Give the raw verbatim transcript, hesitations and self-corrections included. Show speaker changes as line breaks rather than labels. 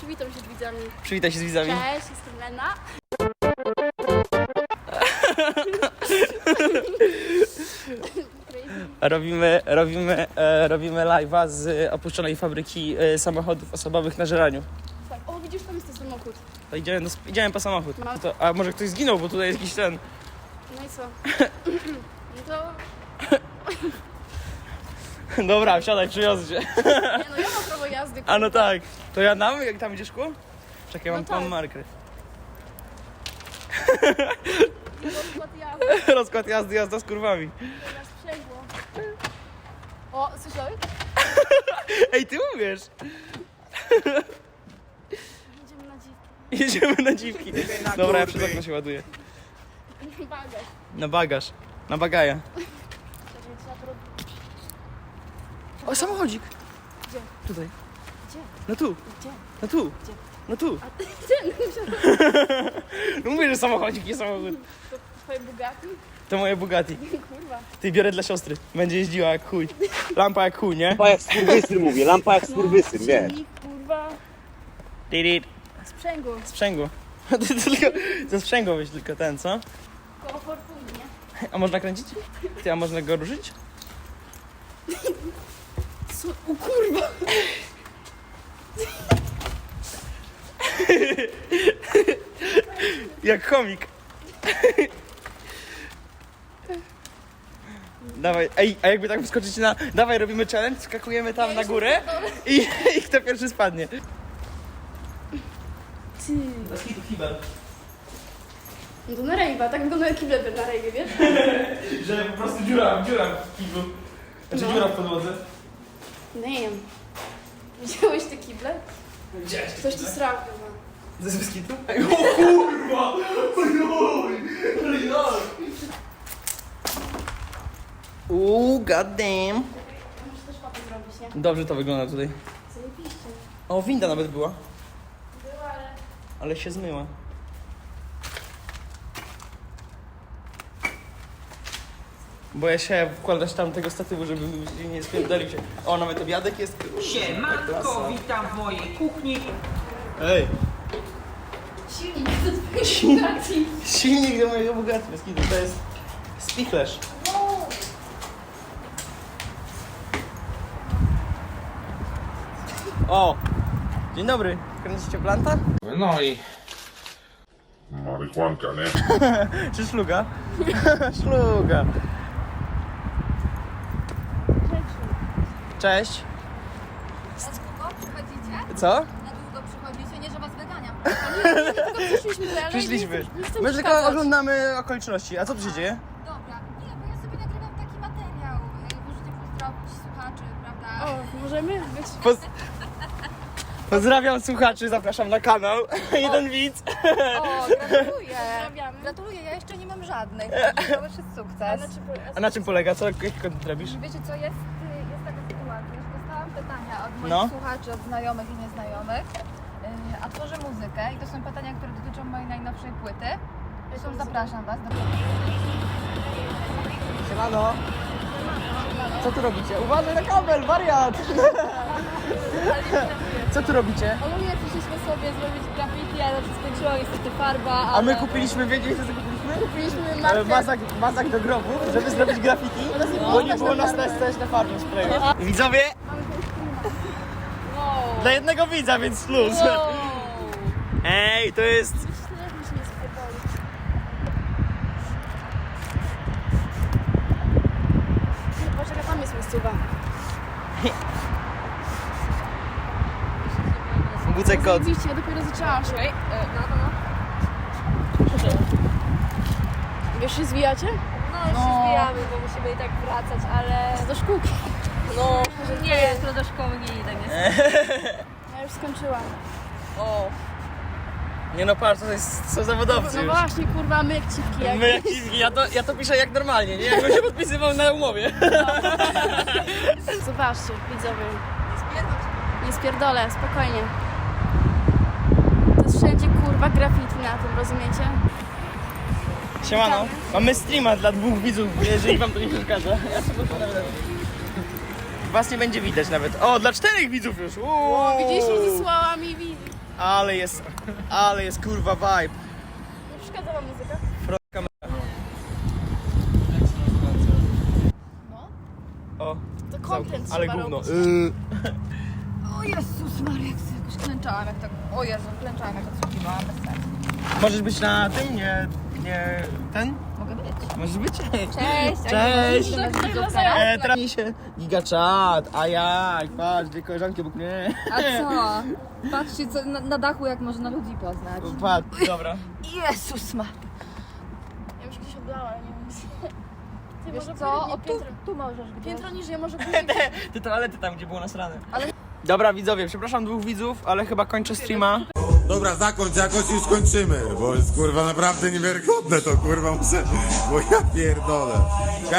przywitam się z widzami.
Przywitaj się z widzami.
Cześć, jestem Lena.
Robimy, robimy, e, robimy live'a z opuszczonej fabryki e, samochodów osobowych na Żeraniu.
Tak. O, widzisz, tam jest ten samochód.
To idziemy, do, idziemy po samochód.
Mam-
To, a może ktoś zginął, bo tutaj jest jakiś ten...
No i co? No to...
Dobra, wsiadaj, przywiozę cię.
Nie no, ja mam prawo jazdy.
A no tak. To ja nam, jak tam idziesz szkło? Czekaj, mam,
No tak.
mam marker.
Rozkład jazdy.
Rozkład jazdy, jazda z kurwami.
Teraz sprzęgło. O, słyszałeś?
Ej, ty umiesz!
Jedziemy na dziwki.
Jedziemy na dziwki. Dobra, ja przez okno się ładuję.
Bagaż.
Na bagaż. Na bagaja.
Czekaj, trzeba to robić.
O, samochodzik.
Gdzie?
Tutaj.
Gdzie?
No tu.
Gdzie?
No tu.
Gdzie?
No tu.
A ty, gdzie?
No mówię, że samochodzik, nie samochód.
To twoje Bugatti?
To moje Bugatti.
Kurwa.
Ty biorę dla siostry. Będzie jeździła jak chuj. Lampa jak chuj, nie?
Lampa jak skurwysyn mówię, lampa jak skurwysyn, wiesz.
Silnik, kurwa.
Tirit.
Sprzęgło.
Sprzęgło. Ty tylko, to sprzęgło weź tylko ten, co?
Koło fortuny, nie?
A można kręcić? Ty, a można go ruszyć?
Co? O kurwa.
Jak chomik. Dawaj, ej, a jakby tak wskoczyć na... Dawaj, robimy challenge, skakujemy tam na górę i, i kto pierwszy spadnie.
Ty. No to na rejwa, tak wygląda kiblet na rejwie, wiesz?
Że po prostu dziura, dziura w kiblu. Znaczy
No.
dziura w podłodze.
Damn. Widziałeś te kible?
Widziałeś
Ktoś tu srał chyba.
To jest bez kitu? Ej, o kurwa! Ojoj! Ojoj! Uuu, goddamn.
Muszę też papę zrobić, nie?
Dobrze to wygląda tutaj.
Zajebiście.
O, winda nawet była,
Była, ale...
ale się zmyła. Boję się wkładać tam tego statywu, żeby nie spierdolił się. O, nawet obiadek jest.
Siemanko, witam w mojej kuchni.
Ej,
Silnik do twojej Bugatti.
silnik do mojego Bugatti, bez kitu, to jest spichlerz.
Wow.
O! Dzień dobry, kręcicie planta?
No i
Marihuanka, nie?
Czy szluga? Szluga. Cześć.
Na długo przychodzicie?
Co?
Na długo przychodzicie? Nie, że was wyganiam.
Tylko przyszliśmy tutaj, ale
Przyszliśmy.
nie chcę- nie chcę
My tylko
przeszkadzać.
oglądamy okoliczności. A co tu się dzieje?
Dobra, nie, bo ja sobie nagrywam taki materiał. y, Możecie pozdrowić słuchaczy, prawda?
O, możemy być...
Poz... Pozdrawiam słuchaczy, zapraszam na kanał. Jeden widz.
O, gratuluję.
Pozdrawiamy.
Gratuluję, ja jeszcze nie mam żadnych. To już jest
A
sukces.
na czym-
A na czym polega? Co, jaki content robisz?
Wiecie co, jest, y, jest taka sytuacja, że dostałam pytania od moich
No.
słuchaczy, od znajomych i nieznajomych, y, a tworzę muzykę i to są pytania, które dotyczą mojej najnowszej płyty. Zresztą zapraszam was do
Siemano. Co tu robicie? Uważaj na kabel, wariat! Co tu robicie?
Ogólnie przyszliśmy sobie zrobić graffiti, ale to skończyło niestety farba, ale...
A my kupiliśmy, wiecie co kupiliśmy?
Kupiliśmy
E,
markę...
Mazak, mazak do grobu, żeby zrobić graffiti, bo nie było nas stać na farmie sprayu. Widzowie,
Wow.
dla jednego widza, więc plus.
Wow.
Ej, to jest...
Myślę, że mi się nie spierdoli. Poczekaj, tam jest miejscowa.
Bucek kot.
Zajebiście, ja dopiero zaczęłam. Czekaj, no, no, no. Wiesz, się zwijacie?
No, już się zbijamy, bo musimy i tak wracać, ale
Do szkółki.
no, nie, jutro do szkoły nie idę, nie.
Ja już skończyłam.
O,
Nie no, patrz, to jest, są zawodowcy
No
już.
właśnie, kurwa, my jak cipki. Jak...
My jak dziwki, ja to, ja to piszę jak normalnie, nie? Jakbym się podpisywał na umowie.
Zobaczcie, widzowie. Nie spierdolę, spokojnie. To jest wszędzie, kurwa, graffiti na tym, rozumiecie?
Siemano, mamy streama dla dwóch widzów, jeżeli wam to nie przeszkadza. Ja sobie potem- Was nie będzie widać nawet. O, dla czterech widzów już. Uuu.
Widzisz, i słała mi widzi.
Ale jest, ale jest kurwa vibe.
Nie przeszkadza wam muzyka?
Front kamera.
No.
O,
To content
ale
trzeba
gówno.
robić.
Yy.
O Jezus Maria, jak sobie jakoś klęczałam, jak tak... O Jezu, klęczałam, jak odsłuchiwałam, bez sensu.
Możesz być na tym, nie, nie, ten?
Mogę być.
Możesz być?
Cześć!
Cześć!
teraz?
E, teraz mi się giga czat, a jak? Patrz, dwie koleżanki obok mnie.
A co? Patrzcie, co na, na dachu, jak można ludzi poznać.
Patrz, dobra.
Jezus Maria.
Ja już gdzieś oblała, ale nie wiem. Ty,
Wiesz
może
co?
pójdę
O, tu,
piętro,
tu możesz gdzieś.
piętro niżej, może pójdę.
Te toalety tam, gdzie było nasrane.
Ale-
Dobra widzowie, przepraszam dwóch widzów, ale chyba kończę streama.
Dobra, zakończ, jakoś już skończymy, bo jest kurwa naprawdę niewiarygodne to kurwa muszę, bo ja pierdolę.